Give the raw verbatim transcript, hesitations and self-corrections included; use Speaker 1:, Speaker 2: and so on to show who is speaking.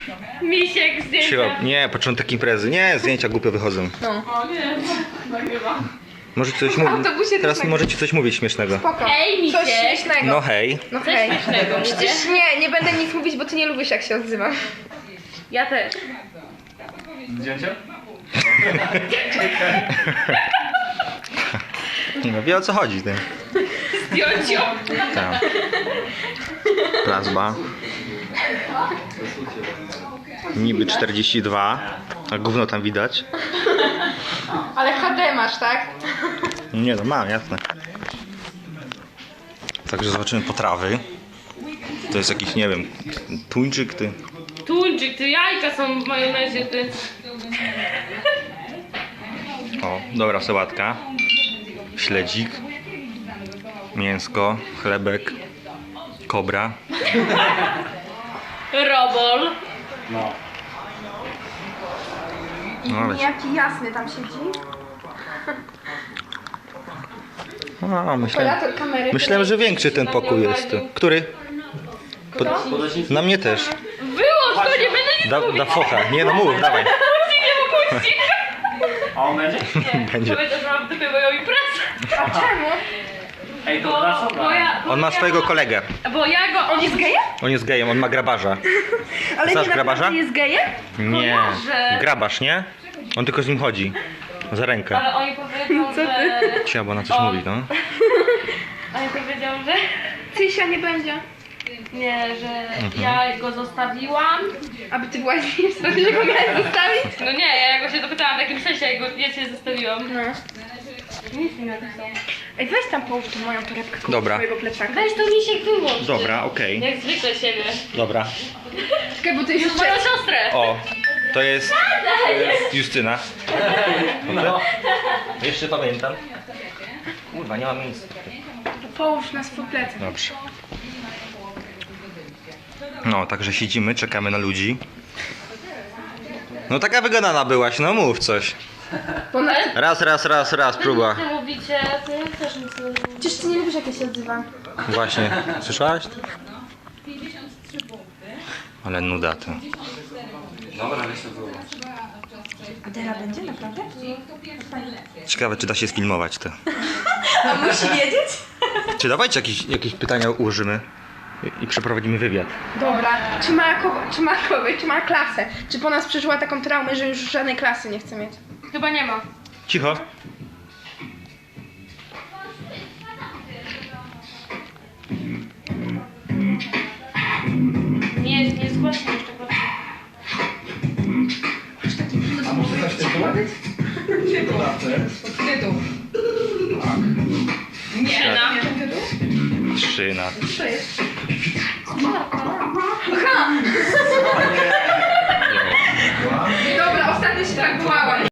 Speaker 1: Misiek zdjęcia.
Speaker 2: Siła. Nie, początek imprezy. Nie, zdjęcia głupio wychodzą.
Speaker 3: No.
Speaker 1: O nie, nagrywa.
Speaker 2: Możecie coś mówić.
Speaker 3: autobusie
Speaker 2: Teraz
Speaker 3: też
Speaker 2: możecie coś mówić śmiesznego.
Speaker 3: Spoko.
Speaker 1: Hej, Misiek.
Speaker 3: Coś śmiesznego.
Speaker 2: No hej.
Speaker 3: No
Speaker 1: Coś
Speaker 3: hej.
Speaker 1: śmiesznego,
Speaker 3: Przecież nie, nie będę nic mówić, bo ty nie lubisz jak się odzywam.
Speaker 1: Ja też.
Speaker 4: Zdjęcie?
Speaker 2: Nie no, wie o co chodzi. Ty.
Speaker 1: Zdjąć ją.
Speaker 2: Tak. Plazma. Niby czterdzieści dwa. A gówno tam widać.
Speaker 3: Ale H D masz, tak?
Speaker 2: Nie no, mam, jasne. Także zobaczymy potrawy. To jest jakiś, nie wiem, tuńczyk, ty.
Speaker 1: Tuńczyk, ty jajka są w majonezie, ty.
Speaker 2: O, dobra sałatka. Śledzik. Mięsko, chlebek. Kobra.
Speaker 1: Robol.
Speaker 4: No.
Speaker 2: No, ale...
Speaker 3: Jaki jasny tam siedzi.
Speaker 2: O, myślałem,
Speaker 3: Operator kamery.
Speaker 2: myślałem, że większy ten pokój jest. tu. Który? Pod... Na mnie też.
Speaker 1: Wyłącz to, nie będę nic
Speaker 2: Da,
Speaker 1: mówić.
Speaker 2: da focha. Nie no mów, dawaj.
Speaker 1: Nie mógł
Speaker 4: A on będzie?
Speaker 2: Będzie.
Speaker 1: Powiedział, że mam w dupie moją imprezę.
Speaker 3: A czemu?
Speaker 4: Ej, to
Speaker 1: Bo,
Speaker 4: nasza
Speaker 1: bo ja, bo
Speaker 2: On ma
Speaker 1: ja
Speaker 2: swojego
Speaker 1: go-
Speaker 2: kolegę.
Speaker 1: Bo ja go...
Speaker 3: On jest gejem?
Speaker 2: On jest gejem, on ma grabarza.
Speaker 3: Ale
Speaker 2: Znasz
Speaker 3: nie
Speaker 2: grabarza?
Speaker 3: naprawdę jest gejem?
Speaker 2: Nie.
Speaker 1: Kojarzę.
Speaker 2: Grabarz, nie? On tylko z nim chodzi. Za rękę.
Speaker 1: Ale oni powiedzą, że...
Speaker 2: Cia, bo ona coś
Speaker 1: On.
Speaker 2: mówi, no.
Speaker 1: Oni powiedział, że...
Speaker 3: Tysia nie będzie.
Speaker 1: Nie, że ja go zostawiłam.
Speaker 3: Aby ty byłaś z nim wtedy, że go miałeś zostawić?
Speaker 1: No nie, ja go się dopytałam w takim sensie, jak go, ja cię zostawiłam.
Speaker 3: No.
Speaker 1: Nic nie napisał.
Speaker 3: Ej, weź tam połóż tą moją torebkę koło
Speaker 2: Dobra.
Speaker 3: swojego plecaka.
Speaker 1: Weź to Misiek wyłącz.
Speaker 2: Dobra, okej.
Speaker 1: Jak zwykle siebie.
Speaker 2: Dobra.
Speaker 3: Czekaj, bo ty jest
Speaker 1: Moją
Speaker 3: jeszcze...
Speaker 1: siostrę.
Speaker 2: O, to jest Justyna.
Speaker 4: No.
Speaker 2: Jeszcze pamiętam. Kurwa, nie ma miejsca.
Speaker 3: Połóż na swój plecak.
Speaker 2: Dobrze. No, także siedzimy, czekamy na ludzi. No taka wygadana byłaś, no mów coś.
Speaker 3: Bo na...
Speaker 2: Raz, raz, raz, raz, próba.
Speaker 1: Ty mówicie, ty też nic nie mówisz.
Speaker 3: Przecież ty nie lubisz jak ja się odzywam.
Speaker 2: Właśnie, słyszałaś? Ale nuda to.
Speaker 4: Dobra, weź to było.
Speaker 3: Adela będzie naprawdę?
Speaker 2: Ciekawe, czy da się sfilmować to.
Speaker 3: A musi wiedzieć?
Speaker 2: Czy dawajcie jakieś, jakieś pytania ułożymy i, i przeprowadzimy wywiad.
Speaker 3: Dobra. Czy ma, ko- czy ma kogoś, czy ma klasę? Czy po nas przeżyła taką traumę, że już żadnej klasy nie chce mieć?
Speaker 1: Chyba nie ma.
Speaker 2: Cicho.
Speaker 1: Nie, nie zgłaszę jeszcze proszę.
Speaker 4: A może coś tytuł?
Speaker 3: Tytuł.
Speaker 1: Nie, na.
Speaker 2: Trzy na...
Speaker 3: Co jest? Aha!